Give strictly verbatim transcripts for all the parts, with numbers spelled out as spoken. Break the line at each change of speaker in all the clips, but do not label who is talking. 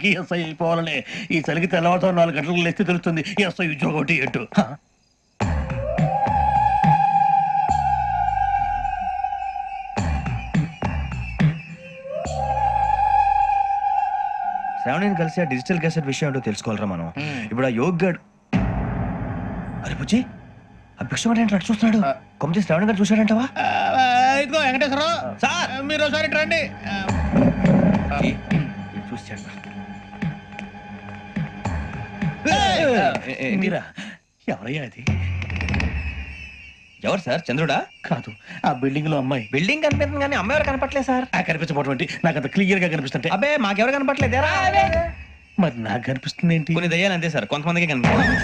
అందరికీ ఎస్ఐ అయిపోవాలని. ఈ చలికి తెల్లవారుతో నాలుగు గంటలకు లేస్తే తెలుస్తుంది ఎస్ఐ ఉద్యోగం ఒకటి ఎటు.
శ్రావణిని కలిసి ఆ డిజిటల్ క్యాసెట్ విషయం ఏంటో తెలుసుకోవాలరా మనం. ఇప్పుడు ఆ యోగ్ గడ్ అరే పుచ్చి ఆ భిక్షం ఏంటి అటు చూస్తున్నాడు. కొమ్మతి శ్రావణి గారు చూశాడంటవా?
ఇదిగో వెంకటేశ్వరరావు సార్, మీరు ఒకసారి రండి.
చూసాడు
మీరా? ఎవరయ్యా అది?
ఎవరు సార్? చంద్రుడా?
కాదు, ఆ బిల్డింగ్ లో అమ్మాయి.
బిల్డింగ్ కనిపిస్తుంది కానీ అమ్మాయి ఎవరు కనపట్లేదు సార్.
ఆ కనిపించబోటువంటి నాకు అంత క్లియర్ గా కనిపిస్తుంటే.
అబ్బే మాకెవరు కనపట్లేదు.
మరి నాకు కనిపిస్తుంది ఏంటి?
కొన్ని దయ్యాలు అంతే సార్, కొంతమందికి కనిపిస్తుంది.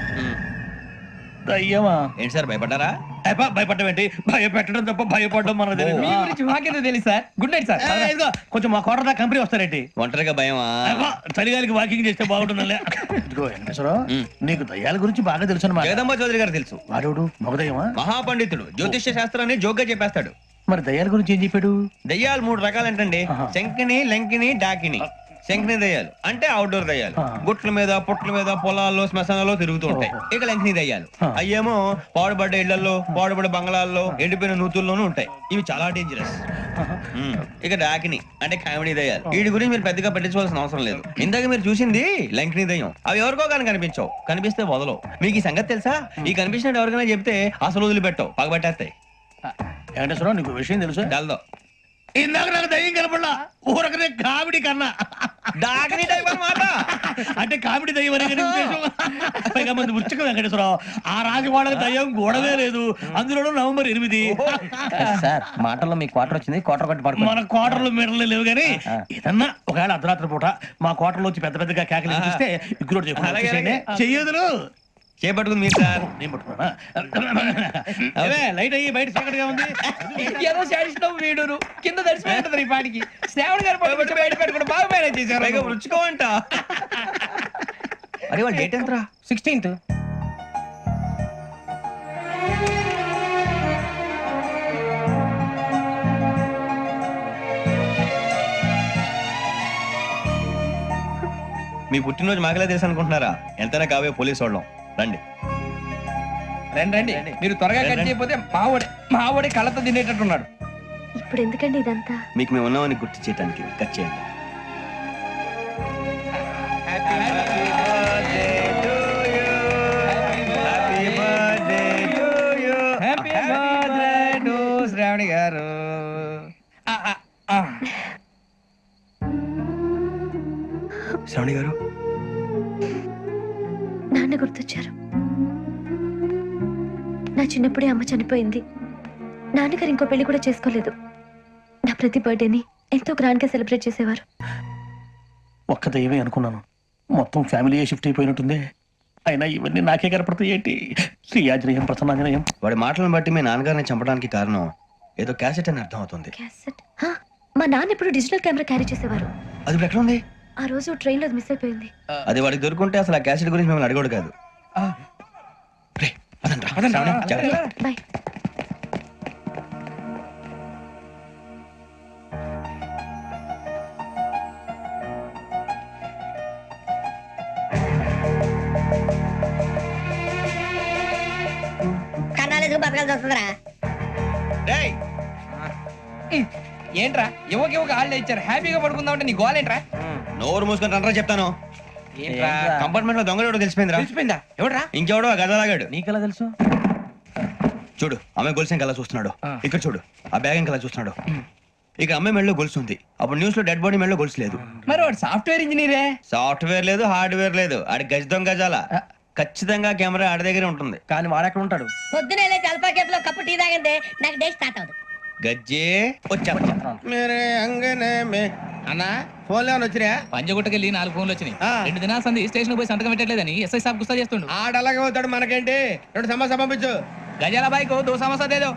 దయ్యమా?
ఏంటి సార్ భయపడ్డారా?
భయపడడం ఏంటి? భయపెట్టడం తప్ప భయపడడం మనకు తెలియదు.
మీ గురించి మాకేదో తెలుసు సార్. Good night sir.
ఇదిగో కొంచెం మా కోట దాకా కంపెనీ వస్తారేంటి?
ఒంటరిగా భయమా?
చలిగాలికి వాకింగ్ చేస్తే బాగుంటుందిలే. ఇదిగో వెంకటేశ్వరరావు, నీకు దయ్యాల గురించి బాగా తెలుసు అన్నమాట.
జగదంబ చౌదరి గారు తెలుసు.
వాడు మగదయ్యమా?
మహాపండితుడు, జ్యోతిష్య శాస్త్రాన్ని జోగ్గా చెప్పేస్తాడు.
మరి దయ్యాల గురించి ఏం చెప్పాడు?
దయ్యాలు మూడు రకాలు ఏంటండి, శంకిని, లంకిని, డాకిని. శంకిని దయ్యాలు అంటే అవుట్డోర్ దయ్యాలు, గుట్ల మీద పుట్ల మీద పొలాల్లో శ్మశానాల్లో తిరుగుతూ ఉంటాయి. ఇక లంకిని దయ్యాలు అయ్యేమో పాడుబడ్డ ఇళ్లలో, పాడుబడ్డ బంగ్లాల్లో, ఎండిపోయిన నూతుల్లోనూ ఉంటాయి. ఇవి చాలా డేంజరస్. ఇక డాకిని అంటే కామెడీ దయ్యాలు. వీటి గురించి మీరు పెద్దగా పట్టించుకోవాల్సిన అవసరం లేదు. ఇందాక మీరు చూసింది లంకిని దయ్యం. అవి ఎవరికో కానీ కనిపించవు, కనిపిస్తే వదలవు. మీకు ఈ సంగతి తెలుసా? ఈ కనిపించినట్టు ఎవరికైనా చెప్తే అసలు వదిలిపెట్టవు, పగబట్టేస్తాయి.
వెంకటేశ్వరరావు, నీకు విషయం తెలుసు?
డల్దో
ఇందాక నాకు దయ్యం కనపడలా, ఊరకనే కామెడీ కన్నా
డాకిని టైప్ అన్నమాట.
అంటే కామెడీ దయ్యం అనే ఉద్దేశం. పైగా మంది ఉచ్చక వెంకటేశ్వరరావు, ఆ రాజవాడకి దయ్యం గోడవే లేదు, అందులోనూ నవంబర్ ఎనిమిది.
సార్ మాటల్లో మీ క్వార్టర్ వచ్చింది, క్వార్టర్ కొట్టి పడుకో.
మన క్వార్టర్లు మీటర్లు లేవు కానీ ఏదన్నా ఒకవేళ అర్ధరాత్రి పూట మా క్వార్టర్లో వచ్చి పెద్ద పెద్దగా కేకలు ఇస్తే ఇగ్గురు చెయ్యదులు
చేపట్టుకుంది మీరు సార్.
నేను పట్టుకున్నా లైట్ అయ్యి బయట చీకటిగా ఉంది.
ఏదో శాడిస్తాం వీడును కింద దర్శనం ఈ పాటికి. శ్రావణ్ గారు పట్టుకుంటే బయట పెట్టుకుంటే బాగా మేనేజ్ చేశారు.
రుచుకోవంట. అరే వాళ్ళ డేట్ ఎంతరా?
సిక్స్టీన్త్.
మీ పుట్టినరోజు మాకలే తెలుసు అనుకుంటున్నారా? ఎంతైనా కావే పోలీసు వాళ్ళం. రండి
రండి రండి. మీరు త్వరగా కట్ చేయకపోతే మావడి మావడి కళ్ళతో తినేటట్టున్నాడు.
ఇప్పుడు ఎందుకండి ఇదంతా?
మీకు మేము ఉన్నామని గుర్తు చేయడానికి కట్ చేయండి.
శ్రావణి గారు,
శ్రావణి గారు
నాన్న గుర్తొచ్చారు. నా చిన్నప్పుడే అమ్మ చనిపోయింది. నాన్నగారు ఇంకో పెళ్లి కూడా చేసుకోలేదు. నా ప్రతి బర్త్డేని ఎంతో గ్రాండ్ గా సెలబ్రేట్ చేసేవారు.
ఒక్క దయ్యమే అనుకున్నాను, మొత్తం ఫ్యామిలీ షిఫ్ట్ అయిపోయినట్టుంది. అయినా ఇవన్నీ నాకే కనపడతాయి ఏంటి? శ్రీ ఆంజనేయం ప్రసన్నాంజనేయం.
వాడి మాటలను బట్టి మీ నాన్నగారిని చంపడానికి కారణం ఏదో క్యాసెట్ అని అర్థం అవుతుంది.
క్యాసెట్? మా నాన్న ఎప్పుడు డిజిటల్ కెమెరా క్యారీ చేసేవారు.
అది ఇప్పుడు ఎక్కడ ఉంది?
ఆ రోజు ట్రైన్ లో మిస్ అయిపోయింది.
అది వాడికి దొరుకుంటే అసలు ఆ క్యాసెట్ గురించి మిమ్మల్ని అడగడు కాదు.
బాయ్.
కన్నాలేసుకు బతకాల్సి వస్తుందిరా.
ఏంట్రా ఎవరికి ఒక హాలిడే ఇచ్చారు, హ్యాపీగా పడుకుందాం అంటే నీ గోల్ ఏంట్రా?
నోరు మూసుకొని రండ్రా చెప్తాను. కంపార్ట్మెంట్ లో దొంగ ఎవడో తెలిసిపోయిందిరా.
తెలిసిపోయిందా? ఎవడ్రా?
ఇంకెవడో ఆ గదలాగాడు.
నీకెలా తెలుసు?
చూడు అమ్మాయి గొలుసు ఇంకలా చూస్తున్నాడు. ఇక్కడ చూడు ఆ బ్యాగ్ ఇంకలా చూస్తున్నాడు. ఇక అమ్మాయి మెడలో గొలుసు ఉంది. అప్పుడు న్యూస్ లో డెడ్ బాడీ మెడలో గొలుసు లేదు.
మరి వాడు సాఫ్ట్వేర్ ఇంజనీరే.
సాఫ్ట్వేర్ లేదు, హార్డ్వేర్ లేదు. ఆడి గజ దొంగ గజాల. ఖచ్చితంగా కెమెరా ఆడి దగ్గరే ఉంటుంది.
కానీ వాడెక్కడ ఉంటాడు?
పొద్దునే లేచి అల్పా కేఫ్ లో కప్పు టీ తాగిందే నాకు డే స్టార్ట్ అవుతుంది.
గజ్జే వచ్చా
అన్నా
ఫోన్ లో వచ్చినా
పంజగుట్టకెళ్ళి నాలుగు ఫోన్లు వచ్చినాయి. రెండు దినాల సంది స్టేషన్ పోయి సంతకం పెట్టలేదని ఎస్ఐ సాబ్ గుస్తా చేస్తుండు.
ఆడలాగే పోతాడు, మనకేంటి? రెండు సమస్య పంపించు.
గజాల బైక్ దో సమస్య దేదో.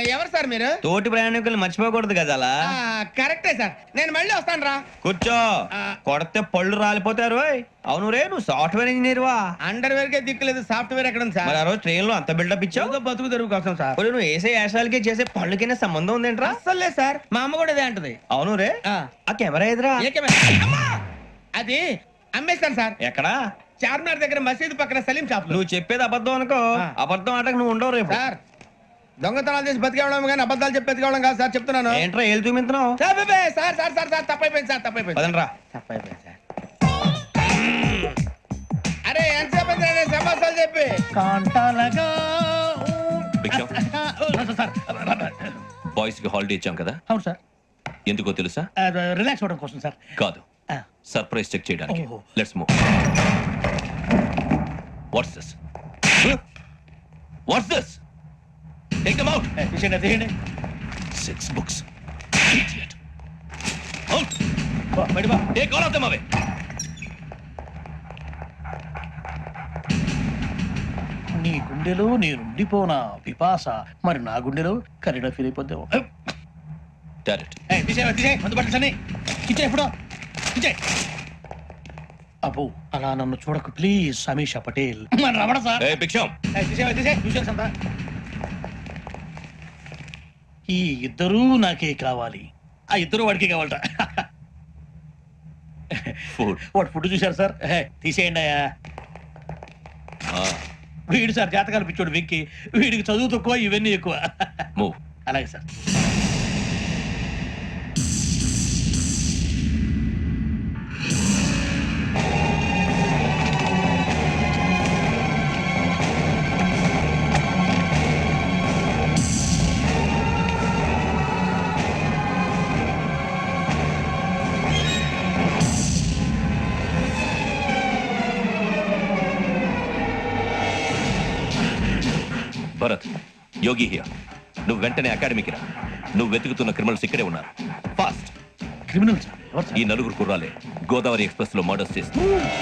ఎవరు సార్ మీరు
తోటి ప్రయాణికులు మర్చిపోకూడదు కదా అలా
ఆ, కరెక్టే సార్ నేను మళ్ళీ వస్తాను రా
కూర్చో కొడితే పళ్ళు రాలిపోతారు ఓయ్. అవును రే నువ్వు సాఫ్ట్వేర్ ఇంజనీర్ వా
అండర్ వేర్ కే దిక్కులేదు సాఫ్ట్వేర్ ఎక్కడ ఉంది
మరి
సార్
ఆ రోజు ట్రైన్ లో అంత బిల్డప్ ఇచ్చావు
ఏదో బతుకు తెరుగు కోసం సార్
ఒరేయ్, నువ్వు వేసే యాశాలకి చేసే పళ్ళకైనా సంబంధం ఉందేంట్రా
అస్సలు లేదు సార్ మా అమ్మ కూడా ఇదే అంటది
అవును రే
ఆ.
ఆ కెమెరా ఎదురా
ఏ కెమెరా? అమ్మా! అది అమ్మేస్తాను సార్
ఎక్కడా
చార్మినార్ దగ్గర మసీదు పక్కన సలీం షాప్ లో
నువ్వు చెప్పేది అబద్ధం అనుకో
ఆ.
అబద్ధం ఆటకు నువ్వు ఉండవు రేపు
సార్ దొంగతనాలు చేసి బతికేవడం కానీ అబద్ధాలు చెప్పి బతికేవడం కాదు సార్ చెప్తున్నాను
ఏంట్రా ఏళ్ళు చూపించినావు
సార్ బే, బే, సార్ సార్ సార్ సార్ తప్పైపోయింది సార్ తప్పైపోయింది
పదండ్రా
తప్పైపోయింది సార్ అరే ఎంతసేపు అయింది రా నేను సమాసాలు చెప్పి
కాంటాలగా
భిక్షం
సార్
బాయ్స్ కి హాలిడే ఇచ్చాం కదా
అవును సార్
ఎందుకో తెలుసా
రిలాక్స్ అవ్వడం కోసం సార్
కాదు సర్ప్రైజ్ చెక్ చేయడానికి
ఓహో.
Let's move what's this what's this take them out
తీసేయండి తీయండి
సిక్స్ బుక్స్ ఇడియట్ అవుట్
బయట బా.
Take all of them away
నీ గుండెలో నేనుండిపోనా పిపాస మరి నా గుండెలో కరీడా ఫీల్ అయిపోద్దాము
డైరెక్ట్
అబ్బో అలా నన్ను చూడకు ప్లీజ్ సమీషా పటేల్ మన రమణ సార్
ఏ భిక్షం
ఈ ఇద్దరూ నాకే కావాలి ఆ ఇద్దరు వాడికి కావాలట
ఫుడ్
వాడు ఫుడ్ చూశారు సార్ హే, తీసేయండి అయ్యా వీడు సార్ జాతకాలు పిచ్చోడు వెక్కి వీడికి చదువు తక్కువ ఇవన్నీ ఎక్కువ
మూవ్
అలాగే సార్
భరత్ యోగి హియర్ నువ్వు వెంటనే అకాడమీకి రా నువ్వు వెతుకుతున్న క్రిమినల్స్ ఇక్కడే ఉన్నారు ఫాస్ట్
క్రిమినల్ సార్ ఎవరు
ఈ
సార్
నలుగురు కుర్రాలే గోదావరి ఎక్స్ప్రెస్ లో మర్డర్స్ చేసి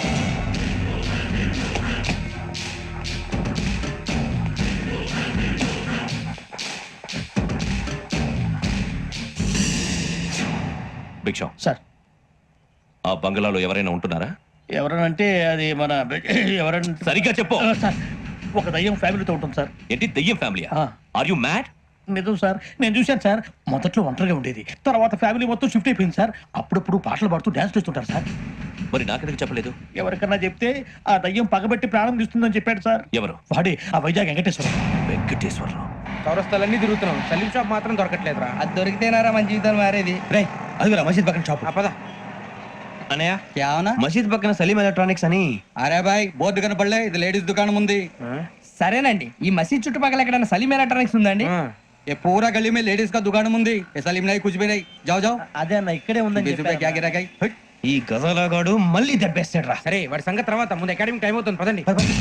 భిక్షం
సార్
ఆ బంగ్లాలో ఎవరైనా ఉంటున్నారా
ఎవరనంటే అది మన ఎవరంటే
సరిగ్గా చెప్పు
సార్ ఒక దయ్యం ఫ్యామిలీతో ఉంటుంది సార్
ఏంటి దెయ్యం ఫ్యామిలీ
ఆ.
ఆర్ యు మ్యాడ్
నిజం సార్ నేను చూశాను సార్ మొదట్లో ఒంటరిగా ఉండేది తర్వాత ఫ్యామిలీ మొత్తం షిఫ్ట్ అయిపోయింది సార్ అప్పుడప్పుడు పాటలు పాడుతూ డ్యాన్స్ చేస్తుంటారు సార్
మరి నాకెందుకు చెప్పలేదు
ఎవరికన్నా చెప్తే ఆ దయ్యం పగబెట్టి ప్రాణం తీస్తుందని చెప్పాడు సార్
ఎవరు
వాడే ఆ వైజాగ్ వెంకటేశ్వరం
వెంకటేశ్వరరావు
చౌరస్తాలన్నీ తిరుగుతున్నాం సలీం షాప్ మాత్రం దొరకట్లేదురా
అది దొరికితేనారా మన జీవితాలు మారేది
రే అదిగురా మసీద్ పక్కన షాప్
పద
అనయ్య
क्या होना
మసీద్ పక్కన సలీం ఎలక్ట్రానిక్స్ అని
అరే బాయ్ బోర్డు కనపడలే ఇది లేడీస్ దుకాణం ఉంది సరేనండి ఈ మసీద్ చుట్టుపక్కల ఎక్కడైనా సలీం ఎలక్ట్రానిక్స్ ఉందండి
ये पूरा गली में लेडीज का दुकान मुंदी ये सलीम नहीं कुछ भी नहीं जाओ जाओ
అదే అన్న ఇక్కడే
बीस रुपए क्या गिरा गई
ఈ గజాలగాడు మళ్ళీ దెబ్బేస్తాడు రా
సరే వాడి సంగతి తర్వాత ముందు అకాడమిక్ టైం అవుతుంది పదండి